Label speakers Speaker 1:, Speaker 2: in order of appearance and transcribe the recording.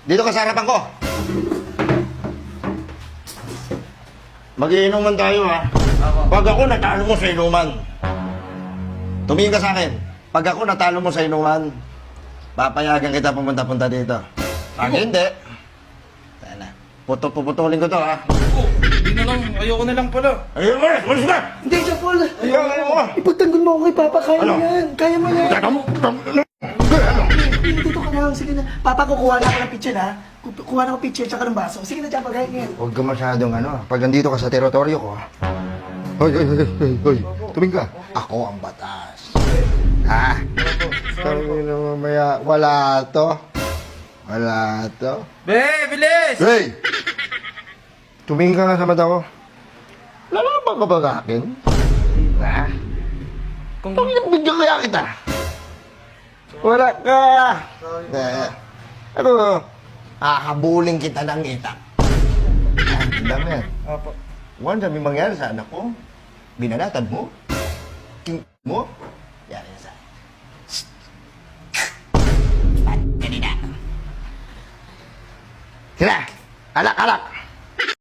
Speaker 1: Dito ka sa harapan ko. Mag-iinuman tayo, ha? Pag ako natalo mo sa inuman, tumingin ka sa akin. Pag ako natalo mo sa inuman, papayagan kita pumunta-punta dito. Pag hindi, sana, puputulin ko to, ha?
Speaker 2: Hindi na lang. Ayoko na lang pala.
Speaker 1: Ayun mo, malis ka!
Speaker 3: Hindi, John Paul.
Speaker 1: Ayun mo!
Speaker 3: Ipagtanggol mo ako kay Papa. Kaya
Speaker 1: Ano?
Speaker 3: mo yan. Kaya mo yan.
Speaker 1: Teka mo!
Speaker 3: Dito ka lang. Sige na. Papa, kukuha na ako ng pitcher, ha? Kukuha na ako pitcher tsaka ng baso. Sige na, John Paul. Kaya ngayon.
Speaker 1: Huwag ka masyadong pag nandito ka sa teritoryo ko, hoy, tumingin ka. Ako ang batas. Ha? Sabi na mamaya, wala to. Wala to.
Speaker 2: Be, bilis!
Speaker 1: Hey! Tumingin ka nga sa mata ko. Lalaban ka ba sa akin? Ha?
Speaker 2: Kung...
Speaker 1: Bigyan kaya kita. Wala ka. Ano? Hahabulin kita ng itak. Ang dami yan.
Speaker 2: Opo.
Speaker 1: One, sabi mangyari sa anak ko. Binanatan mo. King mo. Yari sa akin. Kanina. Sila! Alak, alak!